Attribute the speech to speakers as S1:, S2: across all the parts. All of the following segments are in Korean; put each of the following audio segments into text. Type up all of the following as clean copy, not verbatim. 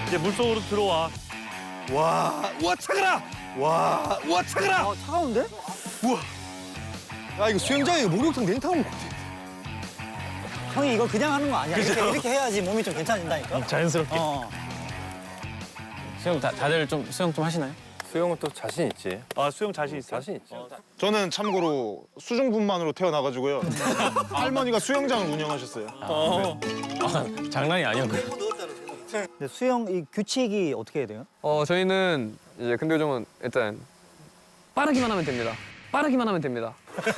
S1: 이제 물속으로 들어와.
S2: 와, 우와 차가라. 와, 우와 차가라.
S3: 차가운데?
S2: 우와. 야 이거 수영장에 목욕탕 냉탕 먹고.
S3: 형이 이거 그냥 하는 거 아니야. 이렇게 해야지 몸이 좀 괜찮아진다니까.
S1: 자연스럽게.
S4: 수영 다들 좀 수영 좀 하시나요?
S5: 수영은 또 자신 있지.
S1: 아, 수영 자신 있어?
S5: 자신 있지.
S2: 저는 참고로 수중분만으로 태어나가지고요. 할머니가 수영장을 운영하셨어요.
S4: 장난이 아니었고요.
S3: 근데 수영 이 규칙이 어떻게 해야 돼요?
S6: 저희는 이제 근교정은 일단 빠르기만 하면 됩니다. 빠르기만 하면 됩니다.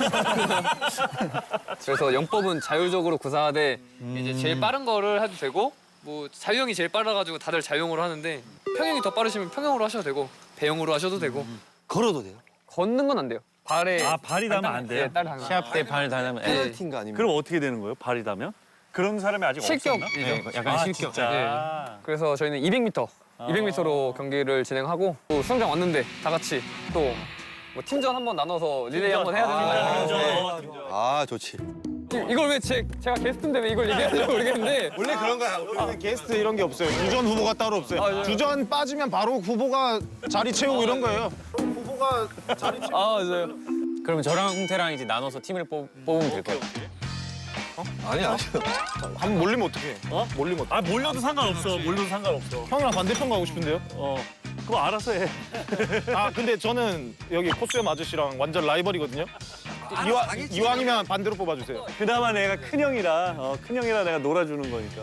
S6: 그래서 영법은 자율적으로 구사하되 이제 제일 빠른 거를 해도 되고 뭐 자유형이 제일 빨라가지고 다들 자유형으로 하는데 평형이 더 빠르시면 평형으로 하셔도 되고 배영으로 하셔도 되고
S2: 걸어도 돼요?
S6: 걷는 건 안 돼요. 발에
S1: 아, 발이 닿으면 안 돼요?
S6: 네, 딸 닿으면.
S4: 시합 때 발 닿으면
S5: 페널티인가 아니면?
S1: 그럼 어떻게 되는 거예요? 발이 닿으면? 그런 사람이 아직
S6: 실격이죠.
S1: 없었나?
S4: 네, 약간
S1: 아,
S4: 실격.
S1: 진짜.
S6: 네. 그래서 저희는 200m, 200m로 경기를 진행하고 또 수영장 왔는데 다 같이 또 뭐 팀전 한번 나눠서 릴레이 한번 해야 되는 거예요.
S5: 아 좋지.
S6: 이걸 왜 제가 게스트인데 왜 이걸 얘기하는지 모르겠는데
S2: 원래 그런 거야. 우리는 게스트 이런 게 없어요. 주전 후보가 따로 없어요.
S6: 아, 네.
S2: 주전 빠지면 바로 후보가 자리 채우고 이런 거예요. 후보가 자리 채우고.
S6: 아 맞아요.
S4: 그러면 저랑 홍태랑 이제 나눠서 팀을 뽑으면 될까요?
S5: 아니야.
S2: 한번 몰리면 어떡해?
S1: 어?
S2: 몰리면 어떡해?
S1: 아, 몰려도 상관없어. 몰려도 상관없어.
S2: 형이랑 반대편 가고 싶은데요?
S1: 그거 알아서 해.
S2: 아 근데 저는 여기 코스염 아저씨랑 완전 라이벌이거든요. 이왕이면 반대로 뽑아주세요.
S1: 그나마 내가 큰형이라, 큰형이라 내가 놀아주는 거니까.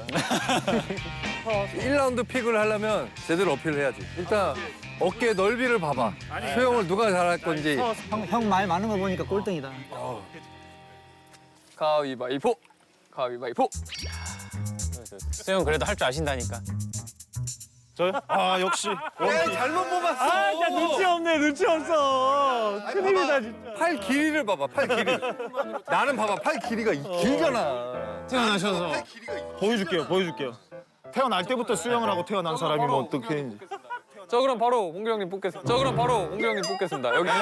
S5: 1라운드 픽을 하려면 제대로 어필을 해야지. 일단 어깨 넓이를 봐봐. 수영을 누가 잘할 건지.
S3: 형 말 많은 거 보니까 꼴등이다.
S6: 가위바위보, 가위바위보.
S4: 수영 그래도 할 줄 아신다니까.
S2: 저요? 아 역시.
S5: 잘못 뽑았어.
S1: 아, 진짜 눈치 없네, 눈치 없어. 큰일이다, 진짜.
S5: 팔 길이를 봐봐. 팔 길이를. 나는 봐봐. 팔 길이가 길잖아.
S4: 태어나셔서
S2: 보여줄게요. 태어날 때부터 수영을 하고 태어난 사람이면 어떻게 했는지.
S6: 저 그럼 바로 홍규 형님 뽑겠습니다. 저 그럼 바로 홍규 형님 뽑겠습니다. 여기.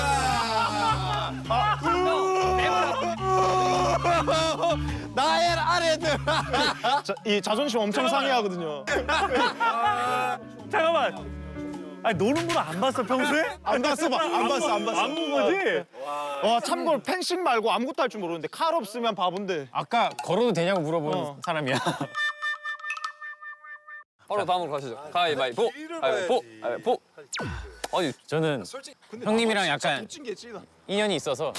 S2: 나의 아래들. 이 자존심 엄청 상해하거든요.
S1: 잠깐만. 아니, 노는구나 안 봤어, 평소에?
S2: 안 봤어.
S1: 안 본 거지?
S2: 와 참고로 펜싱 말고 아무것도 할 줄 모르는데 칼 없으면 바본데.
S4: 아까 걸어도 되냐고 물어본 사람이야.
S6: 바로 다음으로 가시죠. 가위바위보, 가위바위보, 가위바위보. 아니
S4: 저는 형님이랑 약간 인연이 있어서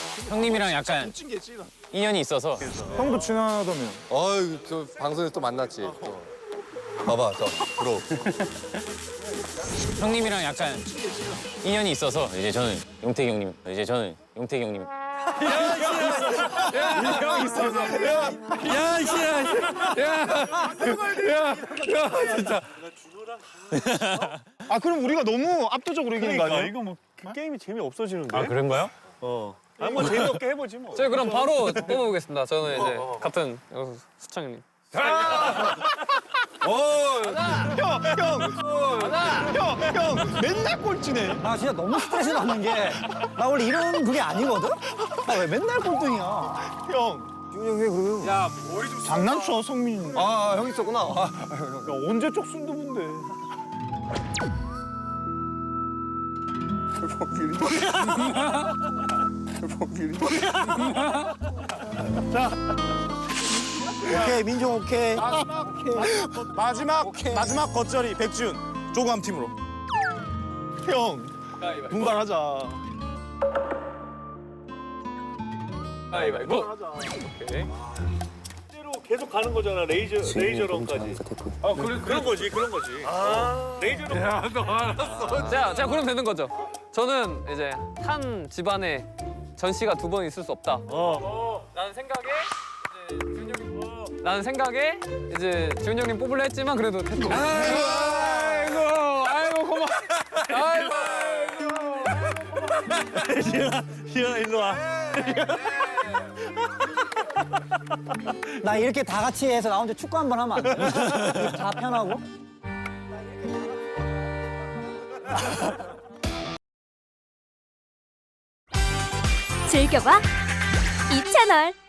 S2: 형도 친하다며.
S5: 어이 저 방송에서 또 만났지. 또. 봐봐 저 들어.
S4: 형님이랑 약간 인연이 있어서 이제 저는 용택이 형님
S2: 아 그럼 우리가 너무 압도적으로 이기는 거
S1: 그러니까
S2: 아니야?
S1: 이거 뭐 게임이 재미 없어지는데?
S4: 아 그런가요?
S1: 아, 뭐 재미없게 해보지 뭐.
S6: 저희 그럼 바로 뽑아보겠습니다. 저는 이제 같은 수창 형님.
S2: 형 맨날 꼴찌네.
S3: 나 진짜 너무 스트레스 받는 게 나 원래 이런 그게 아니거든? 나 왜 맨날 꼴등이야?
S2: 형
S5: 준영이 그러면. 야
S2: 장난쳐 성민.
S5: 아 형 있었구나. 아,
S2: 야, 언제 쪽순도 본데.
S3: 오케이 민종 오케이.
S2: 마지막 겉절이 백준 조감 팀으로. 형 분발하자.
S6: 가위바위보. 오케이.
S1: 실제로 계속 가는 거잖아, 레이저런까지. 아, 그런 거지. 아, 레이저런. 야, 너 알았어.
S6: 자 그럼 되는 거죠. 저는 이제 한 집안에 전 씨가 두 번 있을 수 없다. 라는 생각에 이제 지훈 형님 뽑으려 했지만 그래도 했죠. 아이고 고마워.
S1: 지현아, 일로 와.
S3: 나 이렇게 다 같이 해서 나 혼자 축구 한번 하면 안 돼? 다 편하고.
S7: 즐겨봐 이 채널.